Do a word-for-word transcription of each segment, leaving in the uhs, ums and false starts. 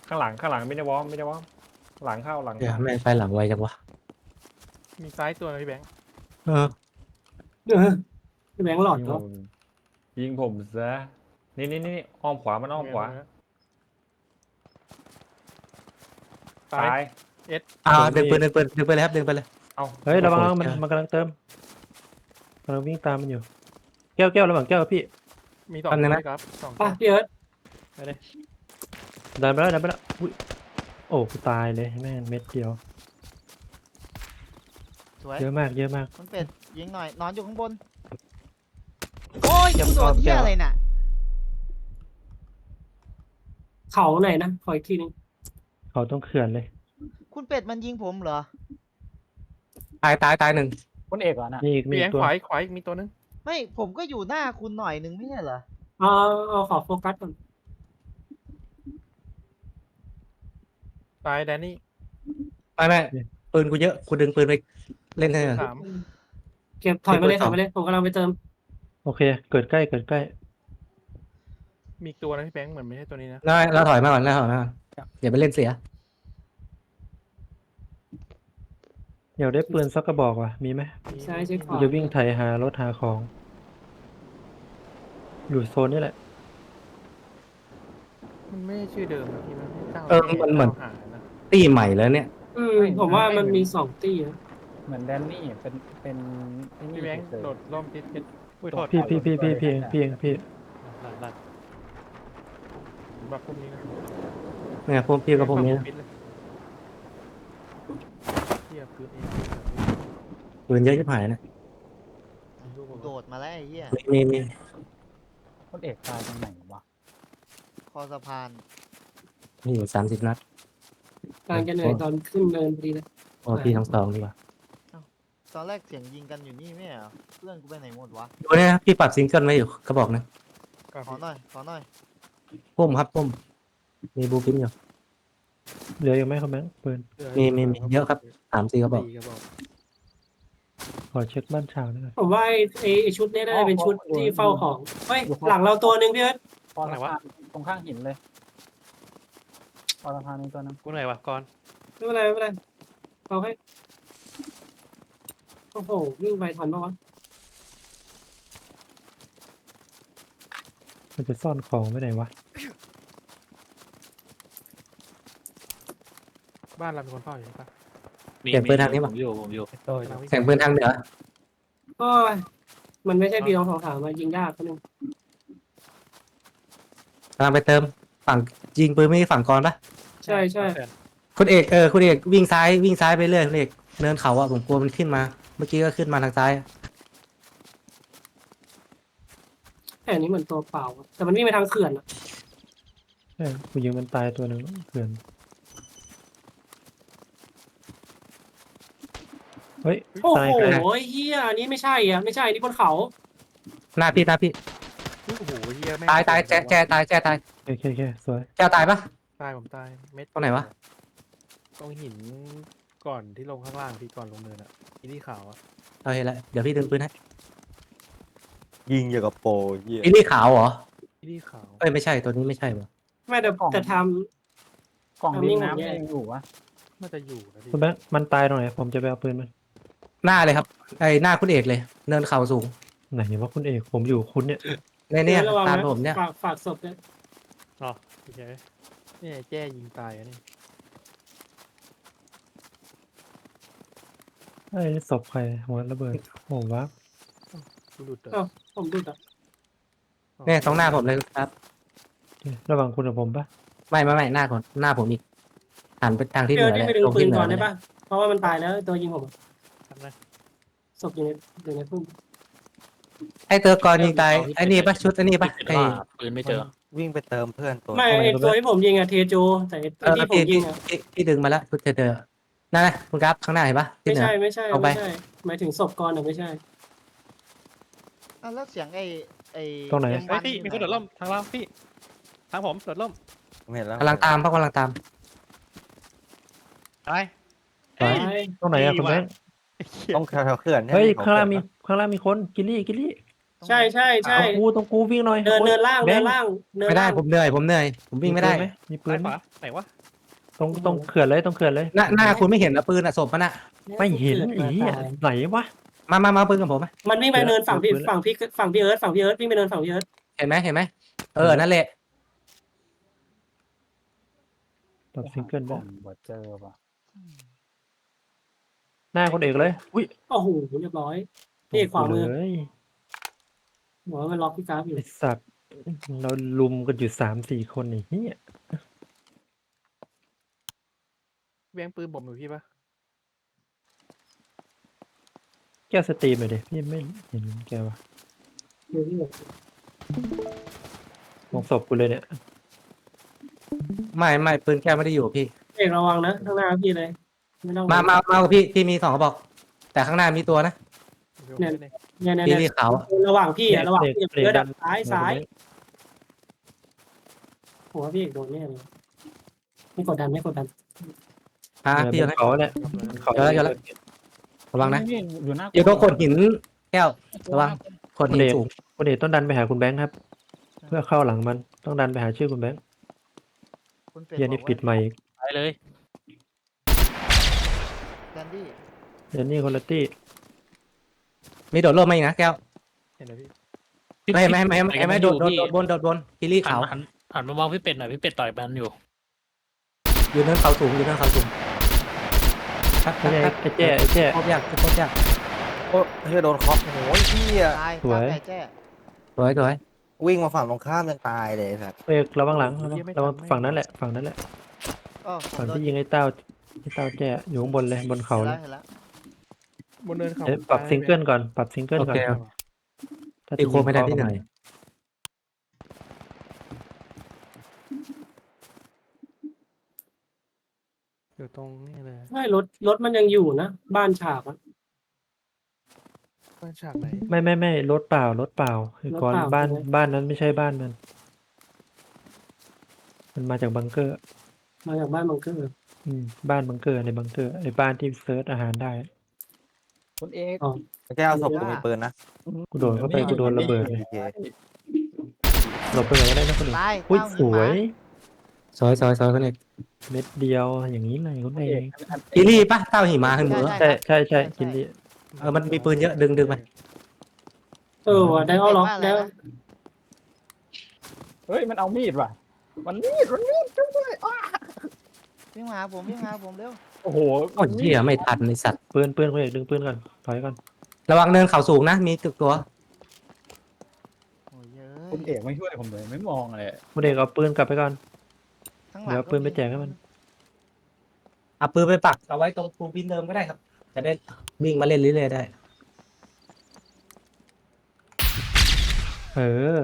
ข้างหลังข้างหลังไม่ได้วอร์มไม่ได้วอร์มหลังเข้าหลังเดี๋ยวเข้าแม่งไฟหลังไวจังวะมีซ้ายตัวนะพี่แบงค์เออเออพี่แบงค์หลอดยิงก็ผมยิงผมซะนี่นี่นี่อ้อมขวามันอ้อมขวาซ้าซ้าย ยอ่าดึงปืนดึงปืนดึงไปเลยครับดึงไปเลยเอาเฮ้ยระวังโอ้โหมันมันกำลังเติมกำลังวิ่งตามมันอยู่แก้วแก้วระหว่างแก้วกับพี่มีสองอันนั้ตัวนนะครับสองป่ะพี่เอิร์ธไปเลยดันไปแล้วดันไปแล้วอุ้ยโอ้กูตายเลยแม่งเม็ดเดียวสวยเยอะมากเยอะมากคุณเป็ดยิงหน่อยนอนอยู่ข้างบนโอ้ยกูโดนเหี้ยอะไรน่ะเขาไหนนะขออีกทีนึงเขาต้องเขื่อนเลยคุณเป็ดมันยิงผมเหรอตายตายตายหนึ่งคุณเอกเหรอน่ะมีอีกมีพี่แบอีงกค์ตัวขวาอีกขวาอีกมีตัวนึงไม่ผมก็อยู่หน้าคุณหน่อยหนึ่งไม่ใช่เหรอเอาเอาขอโฟกัสก่อนตายแดนนี่ไม่ไม่ปืนกูเยอะกูดึงปืนไปเล่นให้หน่อยสามเก็บถอยมาเลยเก็ถบอยไว้มาเลยผมกำลังไปเติมโอเค เกิดใกล้เกิดใกล้มีอีกตัวนะพี่แบงค์เหมือนไม่ใช่ตัวนี้นะได้เราถอยมาก่อนเราถอยมาก่อนอย่าไปเล่นเสียอยากได้ปืนสักกระบอกว่ะมีไหมใช่ใช่ขกูวาจะวิ่งไถหารถหาของ อยู่โซนนี้แหละมันไม่ใช่ชื่อเดิมนะพี่มันไม่เจ้าเออมันเหมือนหานะตีใหม่แล้วเนี่ยอืมผมว่ามันมีสองตีนะเหมือนแดนนี่เป็นเป็นไอ้นี่พี่แบงค์เฉยๆโดดร่มติดติดอุ้ยโทษพี่พี่พี่พี่พี่เองพี่เองพี่ลัดลัดแบบพวกนี้นะเนี่ยพวกพี่กับพวกนี้นะปิดเลยเทียบปืนเองปืนเยอะชิบหายนะโดดมาแล้วไอ้เหี้ยมีมีมีคุณเอกตายตรงไหนวะคอสะพานมีอยู่สามสิบนัดกำลังจะเหนื่อยตอนขึ้นเนินพอดีเลยโอ้พี่ทั้งสองดีกว่าตอนแรกเสียงยิงกันอยู่นี่ไม่ใช่เหรอเพื่อนกูไปไหนหมดวะดูเนี่ยนะพี่ปรับซิงเกิลไว้อยู่กระบอกนะขอหน่อยขอหน่อยพุ่มครับพุ่มมีบูพินอยู่เหลืออยู่ไหมครับแบงค์ปืนมีมีมีเยอะครับสามสี่กระบอกสี่กระบอกขอเช็คบ้านชาวหน่อยผมว่าไอ้ไอ้ไอ้ชุดเนี้น่าจะเป็นชุดที่เฝ้าของเฮ้ยหลังเราตัวหนึ่งพี่เอิร์ธพอสะพานตรงข้างหินเลยพอสะพานนี้ตัวนึงกูไหนวะก่อนไม่เป็นไรไม่เป็นไรเอาให้โอ้โหวิ่งไปทันปะวะมันจะซ่อนของไว้ไหนวะบ้านเราเป็นคนเฝ้าอยู่ใช่ปะเสียงปืนทางนี้ป่ะอยู่ผมอยู่โดยกำลังวิ่งเสียงปืนทางเหนือก็มันไม่ใช่ปีน้องสองสามมายิงยากคนนึงกำลังไปเติมฝั่งยิงปืนไม่ใช่ฝั่งกรปะใช่ใช่คุณเอกเออคุณเอกวิ่งซ้ายวิ่งซ้ายไปเรื่อยคุณเอกเนินเขาอะผมกลัวมันขึ้นมา เมื่อกี้ก็ขึ้นมาทางซ้ายแต่อันนี้เหมือนตัวเปล่าอะแต่มันวิ่งไปทางเขื่อนอะใช่กูยิงมันตายตัวหนึ่งเขื่อนเฮ้ยโอ้ตายโหกันเฮียอันนี้ไม่ใช่อ่ะไม่ใช่อันนี่บนเขาหน้าพี่หน้าพี่โอ้โหเฮียแม่งตายตายแจแจตายแจตายโอเคโอเคสวยแจตายปะตายผมตายเม็ดตรงไหนวะตรงหินก่อนที่ลงข้างล่างพี่ก่อนลงเนินอ่ะอีที่ขาวอ่ะเอาเห็นแล้วเดี๋ยวพี่ดึงปืนให้ยิงอย่างกับโปรเหี้ยอิลี่ขาวเหรออีที่ขาวเอ้ยไม่ใช่ตัวนี้ไม่ใช่วะไม่แต่แต่ทกล่องทำดินิ่นงน้ำผมแย่ยังอยู่วะน่าจะอยู่นะพี่คุณแบงค์มันตายตรงไหนผมจะไปเอาปืนมันหน้าเลยครับไอ้หน้าคุณเอกเลย เนินเขาสูงไหนว่าคุณเอกผมอยู่คุณเนี่ยในเนี่ยระวังตามนะผมเนี่ยฝากฝากศพด้วยอ๋อโอเคนี่แจ้ยิงตายอ่ะนี่ไอ้ศพใครหัวระเบิดโอ้ว้ากูหลุดเหรเอ้าอผมดูอ่ะเนี่ยตรงหน้าผมเลยครับระหว่างคุณกับผมปะไม่ไม่ไม่หน้าผมหน้าผมอีกหันไปทางที่เหเดี๋นืยวอนี่เลยไปดึงตรงปืที่นเหนืก่ออนเลได้ยปะเพราะว่ามันตายแล้วตัวยิงผมทำไงศพอยู่ในอยู่ในพุ่มไอ้เตอร์กรยิงตายไอ้นี่ปะชุดไอ้นี่ปะไอ้ปืนไม่เจอวิ่งไปเติมเพื่อนตัวไม่ไอ้ตัวที่ผมยิงอะเทโจแต่ไอ้เออที่ผมพี่ยิพี่งอะพี่พี่ดึงมาแล้วชุดเตอร์นั่นนะคุณกราฟข้างหน้าเห็นปะที่ไม่เหนือใช่ไม่ใช่เอาไปไม่ใช่หมายถึงศพก่อนอะไม่ใช่อ่ะแล้วเสียงไอ้ไอ้ตรงไหนเอ็มเฮ้วัยพี่มีคนโดดร่มทางเราพี่ทางผมโดดร่มผมเห็นแล้วกำลังตามเพราะกำลังตามตายตายตรงไหนอะคุณแบงค์ต้องแถวๆเขื่อนเฮ้ยขอข้างล่างมีเขื่อนข้างล่างมีคนกิลลี่กิลลี่ใช่ใช่ใช่ตรงกูตรงกูวิ่งหน่อยเดินเดินล่างแบเดิงนค์ล่างเดินไม่ได้ล่างผมเหนื่อยผมเหนื่อยผมวิ่งไม่ได้มีปืซ้ายนขไหมวาไหนวะตรงตรงเขื่อนเลยตรงเขื่อนเลยหน้าหน้าคุณไม่เห็นนะปืนอะศพมันอะไม่เห็นอีอ่ะไหนวะมามามาปืนกับผมไหมมันวิ่งไปเนินฝั่งพี่เดี๋ยวฝั่งพี่ฝั่งพี่เอิร์ธฝั่งพี่เอิร์ธวิ่งไปเนินฝั่งพี่เอิร์ธเห็นไหมเห็นไหมเออนั่นแหละปรับซิงเกิลผได้มบ่เจอป่ะหน้าคนเอกเลยอุ้ยโอ้โหเรียบร้อยพี่ขวามือเลยหัวมันล็อกพี่กราฟอยู่ไอสัตว์เราลุมกันอยู่สามสี่คนไอ้เหี้ยแย่งปืนผมอยู่พี่ปะแก้วสตรีมหน่อยดิพี่ไม่เห็นแกวะอยู่ที่มองศพกูเลยเนี่ยไม่ไม่ปืนแก้วไม่ได้อยู่พี่เอกระวังนะข้างหน้าพี่เลยไม่ต้องมามามากับพี่พี่มีสองกระบอก แต่ข้างหน้ามีตัวนะเนี่ย เนี่ยเนี่ยพี่เนี่รียขาวอะระหว่างพี่อะระหว่างพี่กับเบรกเอิร์ธดัอะนซ้ายซ้ายหัวพี่เอกโดนแน่เลยไม่กดดันไม่กดดันอ่ะเออพี่บเอานไหมเขาเนี่ยบนเขาเดี๋ยวแล้วเดี๋ยวแล้ว ระวังนะนี่อยู่หน้าอยู่ตรงโขดหินแก้ว ระวังโขดหินสูงคนเอกต้องดันไปหาคุณแบงค์ครับ เพื่อเข้าหลังมันต้องดันไปหาชื่อคุณแบงค์คุณเป็ดเฮียนี่บอกว่าปิดใหม่อีกไปเลยแดนดี้เดี๋ยวนี่คนละตี้มีโดดร่มมาอีกนะแก้วเห็นไหมพี่ไม่ไม่ไม่ไม่ไม่ไม่โดดโดดโดดบนโดดบนพี่รีหันขาวหันหันมามองพี่เป็ดหน่อยพี่เป็ดต่อยมันอยู่อยู่เนินเขาสูงอยู่เนินเขาสูงครับคไม่รับใช่ครับไอ้แจ้ไอ้แจ้ครบยากครบยากโอ้เฮ้ยโดนเคอโอ้ยพี่อะตายสวยตามไก่แจ้สวยสวยวิ่งมาฝั่งตรงข้ามยังตายเลยครับเอกระวังหลังระวังระวังฝั่งนั้นแหละฝั่งนั้นแหละก็ผมฝั่งโดนที่ยิงไอ้เต้าไอ้เต้าแจ้อยู่ข้างบนเลยบนเขาเห็นเลแล้วยเห็นแล้วบนเนินเขาเดี๋ยวปรับซิงเกิลก่อนปรับซิงเกิลโอก่อนเคถ้าตีจะโคไม่ได้พี่เหนื่อยอยู่ตรงนี้เลยไม่รถรถมันยังอยู่นะบ้านฉากอะบ้านฉากไหนไม่ไม่ไม่รถเปล่ารถเปล่าคือก่อนรถเปล่าบ้านใช่ไหมบ้านนั้นไม่ใช่บ้านมัน มันมาจากบังเกอร์มาจากบ้านบังเกอร์อืมบ้านบังเกอร์ในบังเกอร์ไอ้บ้านที่เซิร์ชอาหารได้คุณเอกแก้วศพกูมีปืนนะกูโดนเข้าไปกูโดนระเบิดเลยโอเคหลบไปไหนก็ได้นะคนอื่นตายอุ้ยเต้าสหินวหมายสวยสวยสวยคนเอกเม็ดเดียวอย่างนี้เลยคุณเองพี่รีปะเต้าหิมะขึ้นมือใช่ใช่ใช่กินดีเออมันมีปืนเยอะดึงดึงมันเออว่ะได้เอาล็อกได้เฮ้ยมันเอามีดว่ะมันมีดมันมีดช่วยด้วยอ้าวิ่งมาหาผมวิ่งมาหาผมเร็วโอ้โหโอ้ยเหี้ยไม่ทันไอสัตว์ปืนปืนคุณเอกดึงปืนก่อนถอยก่อนระวังเนินเขาสูงนะ มีตึกตัวโอ้ยเยคุณอะเอกไม่ช่วยผมเลยไม่มองเลยคุณเอกเอาปืนกลับไปก่อนข้างหลังเดี๋ยวเอาปืนไปแจกให้มันเอาปืนไปปักเอาไว้ตรงปูนบินเดิมก็ได้ครับ จะได้วิ่งมาเล่นเรื่อยๆได้เออ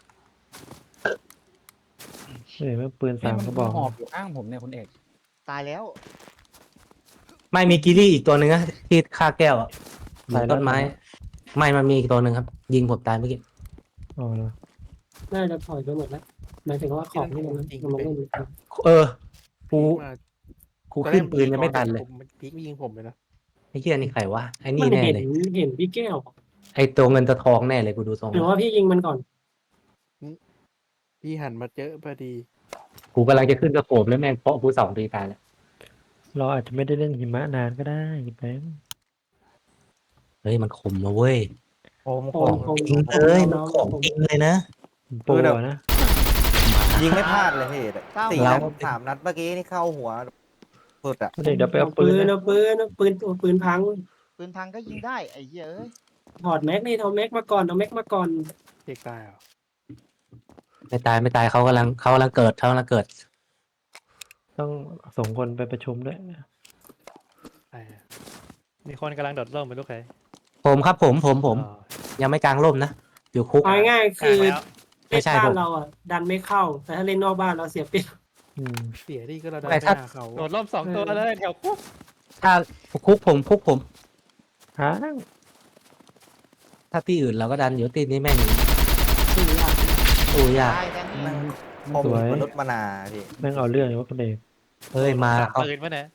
เฮ้ยมันปืนนี่สามมันกระบอกหอบอยู่ข้างผมเนี่ยคุณเอกตายแล้วไม่มีกิลี่อีกตัวหนึ่งนะที่ฆ่าแก้วอะหลังต้นไม้ ไม่มันมีอีกตัวหนึ่งครับ ยิงผมตายเมื่อกี้อ๋อเหรอน่าจะถอยไปหมดแล้วหมายถึงว่าของที่มันมันลงเล่นเออกูมากูขึ้นปืนยังไม่ทันเลยผมมันพีกยิงผมเลยนะไอ้เหี้ยนี่ใครวะไอ้นี่มันแน่เห็นเลยเห็นพี่แก้วไอ้ตัวเงินตัวทองแน่เลยกูดูทรงหรือว่าพี่ยิงมันก่อนพี่หันมาเจอพอดีกูกำลังจะขึ้นกระโปรงแล้วแม่งเพาะกูสองตีตายแล้วเราอาจจะไม่ได้เล่นหิมะนานก็ได้แบงค์เฮ้ยมันคมนะเว้ยโอ้มโคของมโคมจริงเลยมันของจริงเลยนะโปรนะยิงไม่พลาดเลยพี่เต้าสี่เรานัดสามนัดเมื่อกี้นี่เข้าหัวสุดอะคุณเอกเดี๋ยวไปเอาปืปืนนนะเอาปืนเอาปืนเอาปืนพังปืนพังก็ยิงได้ไอ้เหี้ยเอ้ยถอดแม็กนี่เอาแม็กมาก่อนเอาแม็กมาก่อนเอกตายเหรอไม่ตายไม่ตายเขากำลังเขากำลังเกิดเขากำลังเกิดต้องส่งคนไปประชุมด้วยตายอะมีคนกำลังโดดร่มไปลูกใครผมครับผมผมผมยังไม่กลางร่มนะอยู่คุกเอาง่ายๆคือไม่เล่นใช่บ้าผนมเราอ่ะดันไม่เข้า แต่ถ้าเล่นนอกบ้านเราเสียเปรียบอืมเสียดีก็เราได้แต่ไปถ้าหาเขาโดดร่มสองตัวเลยแถวคุกถ้าคุกผมคุกผมฮะถ้าที่อื่นเราก็ดันอยู่ที่นี้แม่งชื่อยากโอ้ยยากตายแดนดี้ผมมนุษย์มนาพี่แม่งเอาเรื่องอยู่ว่าคุณเอกเฮ้ยมาเขาปืนปะเนี่ย